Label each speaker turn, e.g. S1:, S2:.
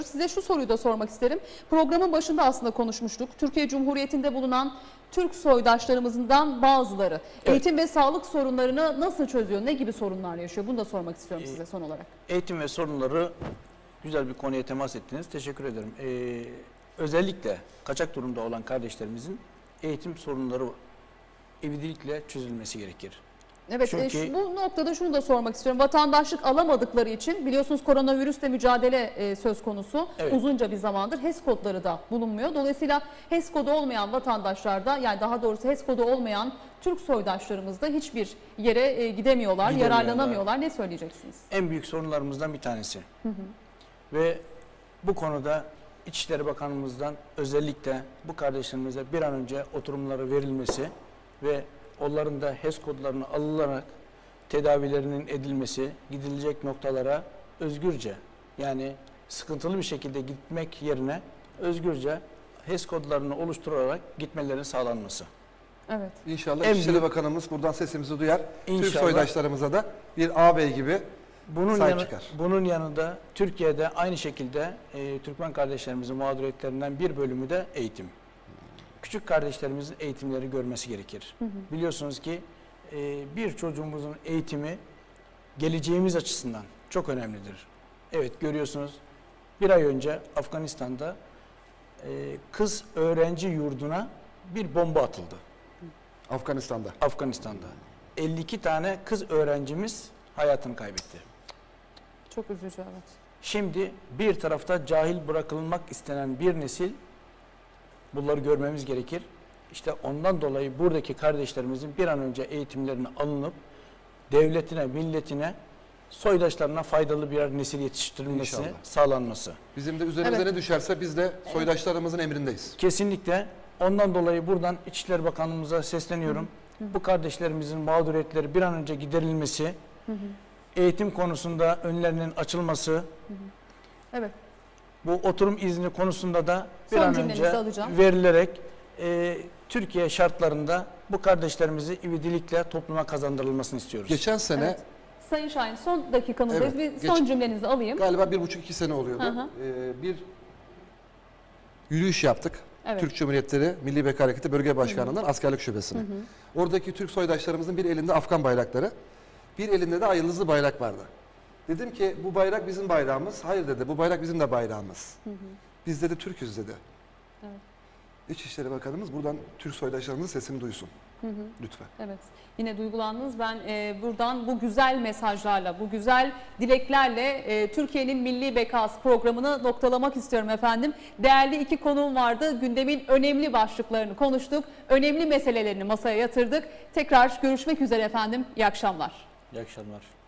S1: Size şu soruyu da sormak isterim. Programın başında aslında konuşmuştuk. Türkiye Cumhuriyeti'nde bulunan Türk soydaşlarımızdan bazıları eğitim ve sağlık sorunlarını nasıl çözüyor? Ne gibi sorunlar yaşıyor? Bunu da sormak istiyorum size son olarak.
S2: Eğitim ve sorunları, güzel bir konuya temas ettiniz. Teşekkür ederim. Özellikle kaçak durumda olan kardeşlerimizin eğitim sorunları ivedilikle çözülmesi gerekir.
S1: Evet,
S2: Çünkü
S1: bu noktada şunu da sormak istiyorum. Vatandaşlık alamadıkları için biliyorsunuz koronavirüsle mücadele söz konusu.
S2: Evet.
S1: Uzunca bir zamandır HES kodları da bulunmuyor. Dolayısıyla HES kodu olmayan vatandaşlarda, yani daha doğrusu HES kodu olmayan Türk soydaşlarımız da hiçbir yere gidemiyorlar, yararlanamıyorlar. Ne söyleyeceksiniz?
S2: En büyük sorunlarımızdan bir tanesi. Ve bu konuda İçişleri Bakanlığımızdan özellikle bu kardeşlerimize bir an önce oturumları verilmesi ve onların da HES kodlarını alınarak tedavilerinin edilmesi, gidilecek noktalara özgürce, yani sıkıntılı bir şekilde gitmek yerine özgürce HES kodlarını oluşturarak gitmelerinin sağlanması.
S1: Evet.
S3: İnşallah
S2: En
S3: İçişleri
S2: büyük-
S3: Bakanımız buradan sesimizi duyar. Türk
S2: İnşallah.
S3: soydaşlarımıza da bir ağabey gibi sahip çıkar.
S2: Bunun yanında Türkiye'de aynı şekilde Türkmen kardeşlerimizin mağduriyetlerinden bir bölümü de eğitim. Küçük kardeşlerimizin eğitimleri görmesi gerekir. Biliyorsunuz ki bir çocuğumuzun eğitimi geleceğimiz açısından çok önemlidir. Evet, görüyorsunuz, bir ay önce Afganistan'da kız öğrenci yurduna bir bomba atıldı. Afganistan'da. 52 tane kız öğrencimiz hayatını kaybetti.
S1: Çok üzücü, evet.
S2: Şimdi bir tarafta cahil bırakılmak istenen bir nesil, bunları görmemiz gerekir. İşte ondan dolayı buradaki kardeşlerimizin bir an önce eğitimlerini alınıp devletine, milletine, soydaşlarına faydalı birer nesil yetiştirilmesi,
S3: İnşallah.
S2: sağlanması.
S3: Bizim de üzerimize
S1: Evet.
S3: ne düşerse biz de soydaşlarımızın emrindeyiz.
S2: Kesinlikle. Ondan dolayı buradan İçişleri Bakanlığımıza sesleniyorum. Bu kardeşlerimizin mağduriyetleri bir an önce giderilmesi, eğitim konusunda önlerinin açılması,
S1: Evet.
S2: bu oturum izni konusunda da bir
S1: Son
S2: an
S1: cümlenizi
S2: önce
S1: alacağım.
S2: verilerek Türkiye şartlarında bu kardeşlerimizi ivedilikle topluma kazandırılmasını istiyoruz.
S3: Geçen sene
S1: Evet. Sayın Şahin, son dakikamızdayız.
S3: Evet,
S1: Bir son cümlenizi alayım.
S3: galiba 1,5-2 sene oluyordu.
S1: Hı hı.
S3: Bir yürüyüş yaptık.
S1: Evet.
S3: Türk Cumhuriyetleri Milli Beka Hareketi Bölge Başkanlığı'ndan askerlik şubesine. Oradaki Türk soydaşlarımızın bir elinde Afgan bayrakları, bir elinde de ay yıldızlı bayrak vardı. Dedim ki bu bayrak bizim bayrağımız. Hayır dedi, bu bayrak bizim de bayrağımız. Biz dedi Türk'üz dedi.
S1: Evet.
S3: İçişleri Bakanımız buradan Türk soydaşlarımızın sesini duysun. Lütfen.
S1: Evet, yine duygulandınız. Ben buradan bu güzel mesajlarla, bu güzel dileklerle Türkiye'nin Milli Bekası programını noktalamak istiyorum efendim. Değerli iki konuğum vardı. Gündemin önemli başlıklarını konuştuk. Önemli meselelerini masaya yatırdık. Tekrar görüşmek üzere efendim. İyi akşamlar.
S2: İyi akşamlar.